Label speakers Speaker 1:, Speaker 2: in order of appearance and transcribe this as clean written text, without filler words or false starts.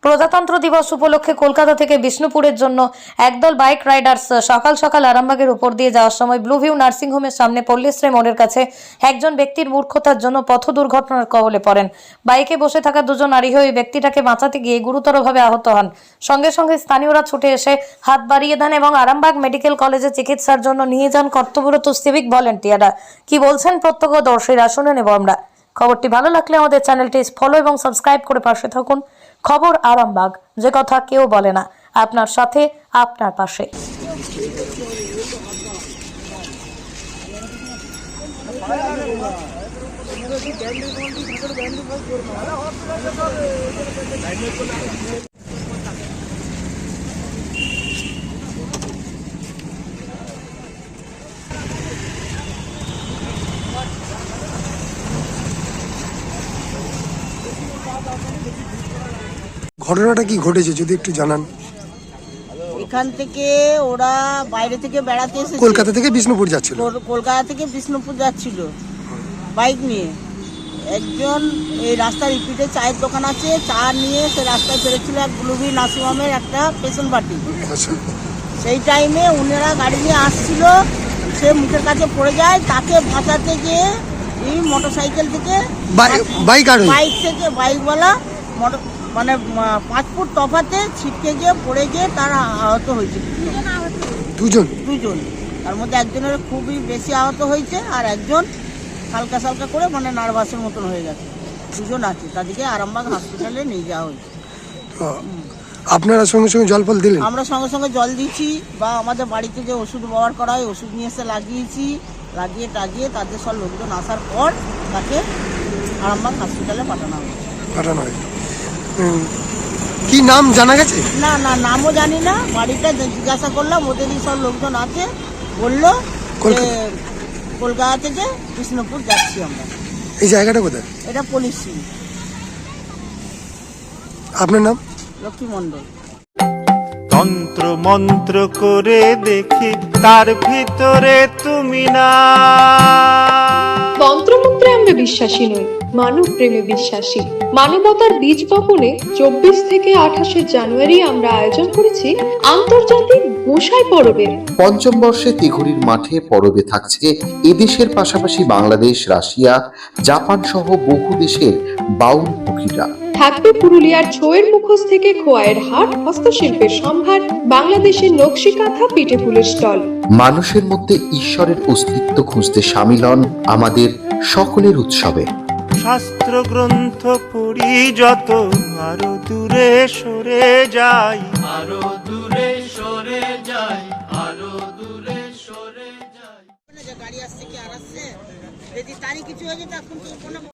Speaker 1: প্রজাতন্ত্র দিবস উপলক্ষে কলকাতা থেকে বিষ্ণুপুরের জন্য একদল বাইক রাইডার্স সকাল সকাল আরামবাগের উপর দিয়ে যাওয়ার সময় ব্লুভিউ নার্সিংহোমের সামনে পল্লীশ্রী মোড়ের কাছে একজন ব্যক্তির মূর্খতার জন্য পথ দুর্ঘটনার কবলে পড়েন। বাইকে বসে থাকা দুজন আরোহী ওই ব্যক্তিটাকে বাঁচাতে গিয়ে গুরুতরভাবে আহত হন। সঙ্গে সঙ্গে স্থানীয়রা ছুটে এসে হাত বাড়িয়ে দেন এবং আরামবাগ মেডিকেল কলেজে চিকিৎসার জন্য নিয়ে যান কর্তব্যরত সিভিক ভলেন্টিয়াররা। কি বলছেন প্রত্যক্ষদর্শীরা শুনে নেব আমরা। খবরটি ভালো লাগলে আমাদের চ্যানেলটি ফলো এবং সাবস্ক্রাইব করে পাশে থাকুন। খবর আরামবাগ, যে কথা কেউ বলে না, আপনার সাথে আপনার পাশে।
Speaker 2: ঘটনাটা কি ঘটেছে যদি একটু জানান।
Speaker 3: এখান থেকে ওরা বাইরে থেকে বেড়াতে এসেছে,
Speaker 2: কলকাতা থেকে বিষ্ণুপুর যাচ্ছিল।
Speaker 3: কলকাতা থেকে বিষ্ণুপুর যাচ্ছিল বাইক নিয়ে। একজন এই রাস্তার রিপিটে চায়ের দোকান আছে, চা নিয়ে সে রাস্তায় ফেরেছিল এক ব্লুভিউ নার্সিংহোমের একটা পেশেন্ট পার্টি। সেই টাইমে উনারা গাড়ি নিয়ে আসছিল, সে মুখের কাছে পড়ে যায়। তাকে বাঁচাতে গিয়ে এই মোটর সাইকেল থেকে বাইকওয়ালা মানে 5 ফুট তফাতে ছিটকে গিয়ে পড়ে গিয়ে তারা আহত হয়েছে। দুজন, তার মধ্যে একজনের খুবই বেশি আহত হয়েছে আর একজন হালকা সালকা করে মানে নার্ভাসের মতন হয়ে গেছে। দুজন আছে, তাদেরকে আরামবাগ হসপিটালে নিয়ে যাওয়া হয়েছে।
Speaker 2: আপনারা সঙ্গে সঙ্গে জল ফল দিলেন?
Speaker 3: আমরা সঙ্গে সঙ্গে জল দিচ্ছি, বা আমাদের বাড়িতে যে ওষুধ ব্যবহার করা হয় ওষুধ নিয়ে এসে লাগিয়েছি। লাগিয়ে টাগিয়ে তাদের সব লোকজন আসার পর তাকে আরামবাগ হসপিটালে পাঠানো হয়।
Speaker 2: কি নাম জানা গেছে?
Speaker 3: না, নামও জানি না। বাড়িটা জিজ্ঞাসা করলাম, ওদেরই সব লোকজন আছে, বললো কলকাতা থেকে বিষ্ণুপুর যাচ্ছি আমরা।
Speaker 2: এই জায়গাটা কোথায়?
Speaker 3: এটা পল্লীশ্রী।
Speaker 2: আপনার নাম?
Speaker 3: লক্ষ্মী মণ্ডল।
Speaker 4: তন্ত্র মন্ত্র করে দেখি তার ভিতরে তুমি না।
Speaker 5: তন্ত্রমন্ত্রে আমরা বিশ্বাসী নই, মানব প্রেমে বিশ্বাসী। মানবতার বীজ বপনে 24 থেকে 28 জানুয়ারি আমরা আয়োজন করেছি আন্তর্জাতিক গোসাই পরবের।
Speaker 6: পঞ্চম বর্ষে তিঘুরির মাঠে পরবে থাকছে এদেশের পাশাপাশি বাংলাদেশ, রাশিয়া, জাপান সহ বহু দেশের বাউল পুকিরা।
Speaker 5: থাকবে পুরুলিয়ার ছোয়ের মুখোশ থেকে খোয়াইয়ের হাট, হস্তশিল্পের সম্ভার, বাংলাদেশের নকশি কাঁথা, পিঠে ফুলের স্টল।
Speaker 6: মানুষের মধ্যে ঈশ্বরের অস্তিত্ব খুঁজতে সামিল হন আমাদের সকলের উৎসবে।
Speaker 4: শাস্ত্র গ্রন্থ পড়ি যত আরো দূরে সরে যাই, আরো দূরে সরে যাই, আরো দূরে সরে যাই।
Speaker 3: গাড়ি আসছে কি আর আসছে, যদি তারই কিছু হয়ে যেত এখন তো